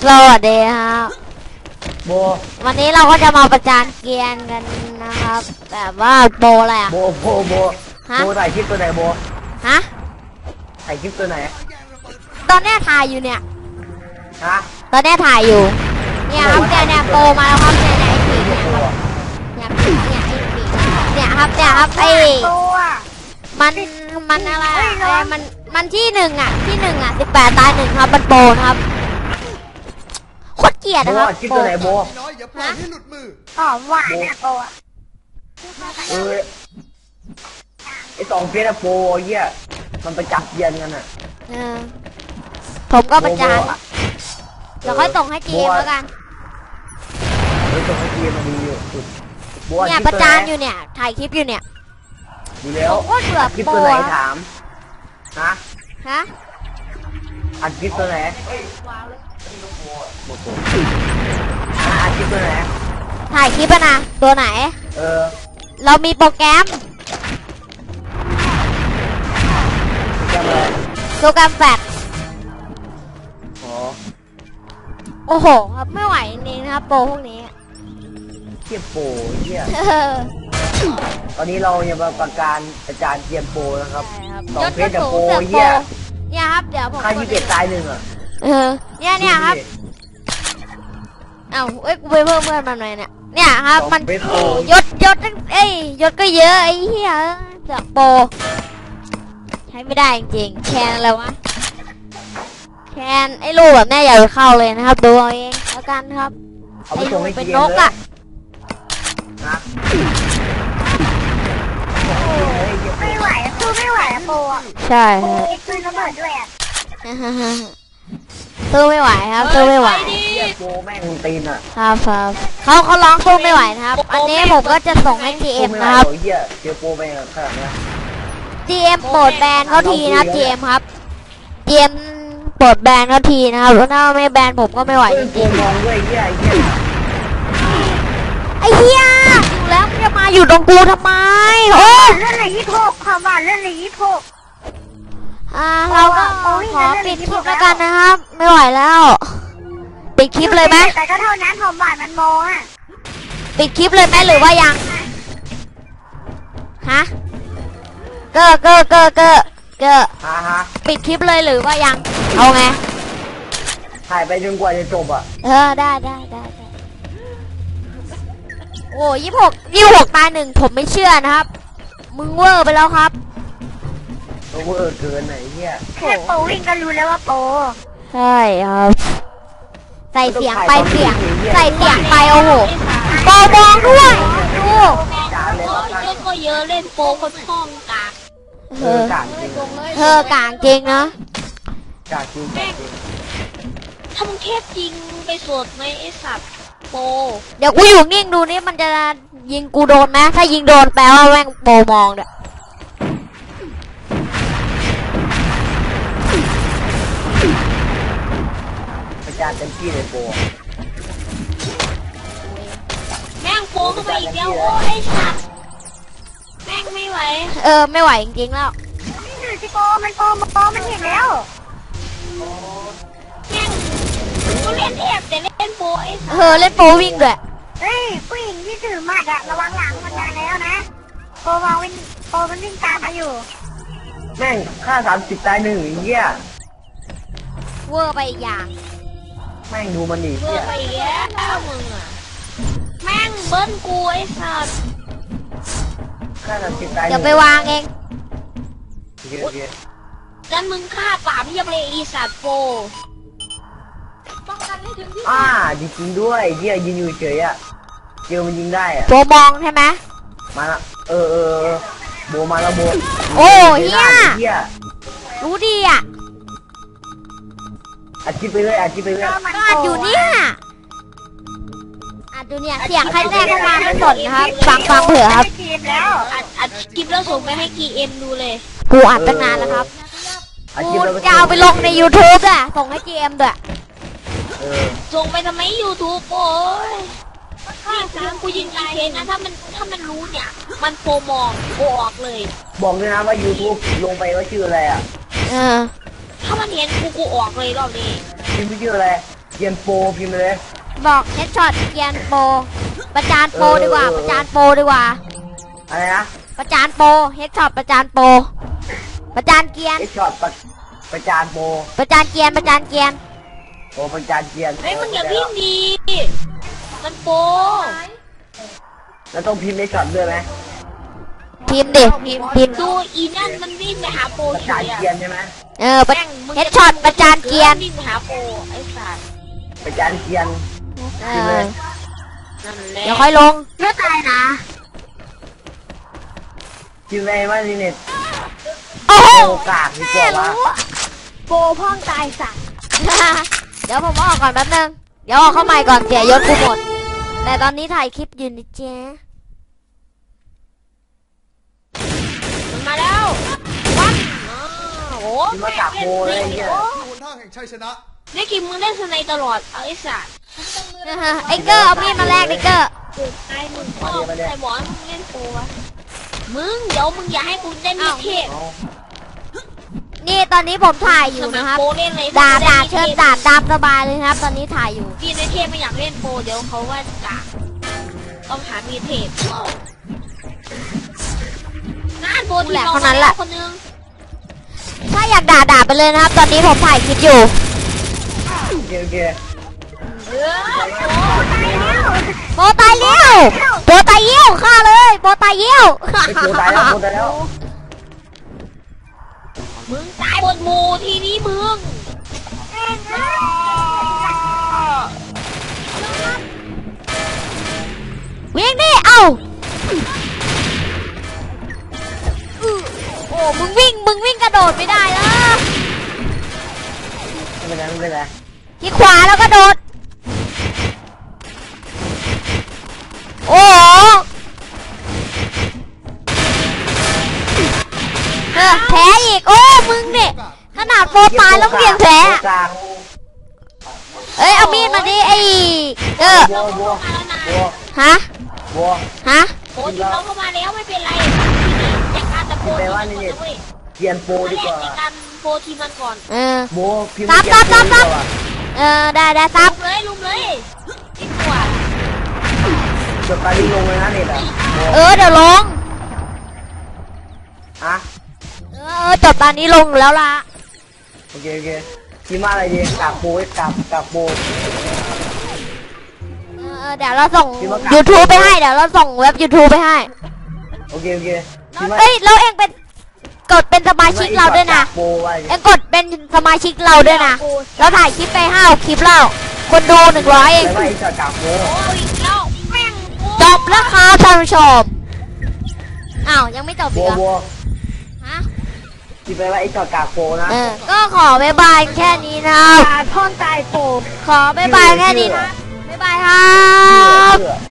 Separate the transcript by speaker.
Speaker 1: สวัสดีครับ
Speaker 2: โบ
Speaker 1: วันนี้เราก็จะมาประจานเกรียนกันนะครับแบบว่าโปรอะไรอะ
Speaker 2: โบโบถ่ายคลิปตัวไหนโบ
Speaker 1: ฮะ
Speaker 2: ถ่ายคลิปตัวไหน
Speaker 1: ตอนนี้ถ่ายอยู่เนี่ย
Speaker 2: ฮะ
Speaker 1: ตอนนี้ถ่ายอยู่เนี่ยครับเนี่ยโปรมาแล้วครับเนี่ยไอ้ผีเนี่ยครับเนี่ยไอ้ผีเนี่ยครับไอ้มันอะไรมันที่หนึ่งอ่ะ18 ตาย 1ครับมันโปรนะครับโคตรเกลียดนะครับ
Speaker 2: คลิปตัวไหนโบ
Speaker 1: ฮะ
Speaker 3: หอมหวานนะโปะ
Speaker 2: ไอ2 เฟซอะโปเยี่ยมันไปจับเย็นกันอะ
Speaker 1: ผมก็ประจานเดี๋ยวค่อยส่งให้จีเอ็มแล้วกัน
Speaker 2: ส่งให้จีเอ็มมาดีอยู่สุด
Speaker 1: เนี่ยประจานอยู่เนี่ยถ่ายคลิปอยู่เนี่ย
Speaker 2: ดูแล้ว
Speaker 1: โคตรเบื่อ
Speaker 2: คลิปตัวไหนถามฮะอัดคลิปตัวไหนอัดคลิปตัวไหน
Speaker 1: ถ่ายคลิปนะตัวไหนเรามีโปรแกรมโปรแกรมแฟลชโอ้โหครับไม่ไหวจริงๆนะครับโปรพวกนี้
Speaker 2: เกียร์โปเยี่ยตอนนี้เราจะมาประการอาจารย์เกียร์โปนะครับ2 เฟซกับโปเยี่ย
Speaker 1: เนี่ยครับเดี๋ยวผม
Speaker 2: ค่า21 ตาย 1อ่ะ
Speaker 1: เนี่ยครับเอ้ากูไปเพิ่มเพื่อนมันหน่อยเนี่ยครับมันยศยศก็เยอะไอ้เหี้ยเสือกโปใช้ไม่ได้จริงๆแคนอะไรวะแคนไอ้ลูกแบบแม่อย่าไปเข้าเลยนะครับดูเอาเองแล้วกันครับ
Speaker 2: ไอ้ลูก
Speaker 1: เป็นนกอ่ะ
Speaker 3: ไม่ไหวสู้ไม่ไหวโปะ
Speaker 1: ใช่
Speaker 3: ปืนระเบิดด้วยอ่ะ
Speaker 1: สู้ไม่ไหวครับสู้ไม่ไหว
Speaker 2: โปแม่งตีนอ่ะ
Speaker 1: ครับเขาร้องสู้ไม่ไหวนะครับอันนี้ผมก็จะส่งให้ GM นะครับ
Speaker 2: เกียร์โปไปขนาดนี้
Speaker 1: GM โปรดแบนเขาทีนะครับ GM ครับ GM โปรดแบนเขาทีนะครับถ้าไม่แบนผมก็ไม่ไหวจริง
Speaker 2: ๆมองด้วย
Speaker 1: ไอ้เหี้ยอยู่แล้วมันจะมาอยู่ตรงกูทำไมโอ้
Speaker 3: เล่นเลย26ความหวานเล่นเลย26
Speaker 1: เราก็ขอปิดคลิปแล้วกันนะครับไม่ไหวแล้วปิดคลิปเลยไหม
Speaker 3: แต่ก็เท่านั้นความหวานมันโมอ่ะ
Speaker 1: ปิดคลิปเลยไหมหรือว่ายังฮะเก้อปิดคลิปเลยหรือว่ายังเอาไง
Speaker 2: ถ่ายไปจนกว่าจะจบอ่ะ
Speaker 1: ได้โอ้26 ตาย 1ผมไม่เชื่อนะครับมึงเวอร์ไปแล้วครับ
Speaker 2: เวอร์เกินไหนเนี่ย
Speaker 3: แค่โปวิ่งก็รู้แล้วว่าโป
Speaker 1: ใช่ครับใส่เสียงไปโอ้โหโปมองด้วยดู
Speaker 3: เล่นก็เยอะเล่นโปก็ช่องกาก
Speaker 1: กางจริงนะ
Speaker 2: กางจริง
Speaker 3: ถ้ามึงเทพจริงไปสวดไหมไอ้สัตว์โป
Speaker 1: เดี๋ยวกูอยู่นิ่งดูนี่มันจะยิงกูโดนไหมถ้ายิงโดนแปลว่าแม่งโปมองเนี่ย
Speaker 2: ประจานเต็มที่เลยโป
Speaker 3: แม่งโปเข้าไปอีกแล้วโอ้ไอ้สัตว์แม่งไม่ไหว
Speaker 1: ไม่ไหวจริงๆแล้ว
Speaker 3: นี่คือที่โปมันเห็นแล้วแม่งกูเล่นเทพแต่เล่นโปไอ้สัตว์
Speaker 1: เล่นโปวิ่งด้วย
Speaker 3: เฮ้ยผู้หญิงที่ถือหมัดอะระวังหลังมันมาแล้วนะโปมันวิ่งตามมาอยู่
Speaker 2: แม่งค่า30 ตาย 1เหี้ย
Speaker 1: เวอร์ไปอีกอย่าง
Speaker 2: แม่งดูมันดิ
Speaker 3: เวอร์ไปอีกแล้วมึงอะแม่งเบิ้ลกูไอ้สัตว์
Speaker 2: ค่า30 ตาย
Speaker 1: เดี๋ยวไปวางเอง
Speaker 3: กันมึงฆ่าป่าพี่ยังเลยอีสัตว์โป
Speaker 2: จริงด้วยเหี้ยยิงอยู่เฉยอะเจอมันยิงได้อะ
Speaker 1: โบมองใช่ไหม
Speaker 2: มาละโบมาแล้วโบ
Speaker 1: โอ้เฮียรู้ดีอ่ะ
Speaker 2: อาชีพไปเลย
Speaker 1: ก็อัดอยู่เนี่ยอัดอยู่เนี่ยเสียงใครแทรกเข้ามาไม่สนนะครับฟังเผื่อครับ
Speaker 3: อัดคลิปแล้วส่งไปให้ GM ดูเลย
Speaker 1: กูอัดตั้งนานแล้วครับกูจะเอาไปลงใน YouTube อ่ะส่งให้ GM ด้วย
Speaker 3: ส่งไปทำไม YouTube โอ้ยนี่กูยิงอีเทนนะถ้ามันรู้เนี่ยมันโปรมองโปรออกเลย
Speaker 2: บอกเลยนะว่า YouTube ลงไปว่าชื่ออะไรอ่ะ
Speaker 3: ถ้ามันเห็นกูออกเลยรอบนี้
Speaker 2: ชื่ออะไรเกียนโปรพิมพ์เลย
Speaker 1: บอกเฮดช็อตเกียนโปรประจานโปรดีกว่าประจานโปรดีกว่า
Speaker 2: อะไรนะ
Speaker 1: ประจานโปรเฮดช็อตประจานโปรประจานเกียน
Speaker 2: ไอช็อตประจานโปร
Speaker 1: ประจานเกียนประจานเกียน
Speaker 2: โปรประจานเกียน
Speaker 3: เฮ้ยมึงอย่าวิ่งดีมันโป
Speaker 2: แล้วต้องพิมพ์ไอช็อตด้วยไหม
Speaker 1: พิมพ์ดิพิมพ์
Speaker 3: ดูอีนั่นมันวิ่งไปหาโป
Speaker 2: ประ
Speaker 3: เฉ
Speaker 2: จาน
Speaker 3: ยอะ
Speaker 2: เกียนใช่ไหม
Speaker 1: เฮดช็อตประจานเกียน
Speaker 3: วิ่งไปหาโปไอ้สัตว์
Speaker 2: ประจานเกียน
Speaker 1: เออ
Speaker 3: นั่นแหละ
Speaker 1: เดี๋ยวค่อยลง
Speaker 3: ไม่ตายนะ
Speaker 2: พิมพ์อะไรว่านี่เนี่ย
Speaker 1: โอ้โห
Speaker 2: โอกาสดีกว่าว่า
Speaker 3: โปพ่องตายสัตว์
Speaker 1: เดี๋ยวผมออกก่อนแป๊บนึงเดี๋ยวออกเข้าใหม่ก่อนเสียยศกูหมดแต่ตอนนี้ถ่ายคลิปอยู่นะเจ๊
Speaker 3: มันมาแล้ววัดโอ้โห
Speaker 2: พิมพ์มาจากโปรเลยเนี่ย
Speaker 4: หนทางแห่งชัยชนะ
Speaker 3: ได้กินมึงเล่นสไนตลอดเอาไอ้สัตว์
Speaker 1: ไอ้เกอร์เอามีดมาแลกไอ้เกอร์
Speaker 3: ตายมึงพ่อใครบอกให้มึงเล่นโปวะมึงเดี๋ยวมึงอย่าให้กูได้มีเทพ
Speaker 2: เอา
Speaker 1: นี่ตอนนี้ผมถ่ายอยู่
Speaker 3: สมั
Speaker 1: นะ
Speaker 3: ค
Speaker 1: ครับ
Speaker 3: รโปเล่นเลย
Speaker 1: ด่าเชิญด่าตามสบายเลยครับ ตอนนี้ถ่ายอยู่
Speaker 3: พี่ในเทพไม่อยากเล่นโปเดี๋ยวเขาว่าด่าต้องหามีเทพน่าโปทีมเราคนนึง
Speaker 1: ถ้าอยากด่าไปเลยนะครับ ตอนนี้ผมถ่ายคลิปอยู่
Speaker 2: โอเคโอเค
Speaker 3: เออ
Speaker 1: โบตายเลี้ยวโบตายเยี่ยวฆ่าเลยโบตายเยี่ยว
Speaker 2: ไอโปรตายแล้วโปรตายแล้ว
Speaker 3: มึงตายบนหมูทีนี้มึง
Speaker 1: วิ่งดิเอ้าโอ้มึงวิ่งกระโดดไม่ได้นะ
Speaker 2: ไม่เป็นไรไม่เป็นไร
Speaker 1: ที่ขวาแล้วก็โดดโอ้โหแพ้อีกโอ้มึงเนี่ยขนาดโปรตายแล้วเพียงแพ้
Speaker 2: โปรกลาง
Speaker 1: เอ้ยเอามีดมาดิไอ้
Speaker 2: บัวบัวบัว
Speaker 1: ฮะ
Speaker 2: บัว
Speaker 1: ฮะ
Speaker 3: โปทีมเราเข้ามาแล้วไม่เป็นไรจัดการแต่โปทีมมันก่อนนะเว้ย
Speaker 2: เกียนโปรดีกว่า
Speaker 3: จัดการโปทีมมันก่อน
Speaker 2: บัวพิมพ์เกียนโปรดีกว่า
Speaker 1: ได้ซับ
Speaker 3: ลุมเลยดีกว่า
Speaker 2: จบการที่ลงเลยนะเนี่ย
Speaker 1: เดี๋ยวลง
Speaker 2: อ่ะ
Speaker 1: จบตอนนี้ลงแล้วล่ะ
Speaker 2: โอเคโอเคพิมพ์ว่าอะไรดีกากโปรกากโปร
Speaker 1: เดี๋ยวเราส่ง
Speaker 2: พี่มากราบ
Speaker 1: YouTube ไปให้เดี๋ยวเราส่งเว็บ YouTube ไปให้
Speaker 2: โอเคโอเคพิมพ์ว่า
Speaker 1: เอ้ยแล้วเองเป็นกดเป็นสมาชิกเราด้วยนะ
Speaker 2: กากโปรว่า
Speaker 1: เองกดเป็นสมาชิกเราด้วยนะเราถ่ายคลิปไป5 คลิปแล้วคนดู100เอง
Speaker 2: ไม่ว่าไอ้จอดกากโปร
Speaker 3: โอ้ยแล้วแม่ง
Speaker 1: จบแล้วครับท่านผู้ชมอ้าวยังไม่จบ
Speaker 2: บั
Speaker 1: อี
Speaker 2: ว
Speaker 1: กเหรอ
Speaker 2: บัว
Speaker 1: ฮะ
Speaker 2: พิมพ์ไปว่าไอ้จอดกากโปรนะ
Speaker 1: ก็ขอบ๊ายบายแค่นี้นะครับ
Speaker 3: ท่อนตายโป
Speaker 1: ขอบ๊ายบายแค่นี้นะบ๊ายบายครับ
Speaker 2: เชื่อ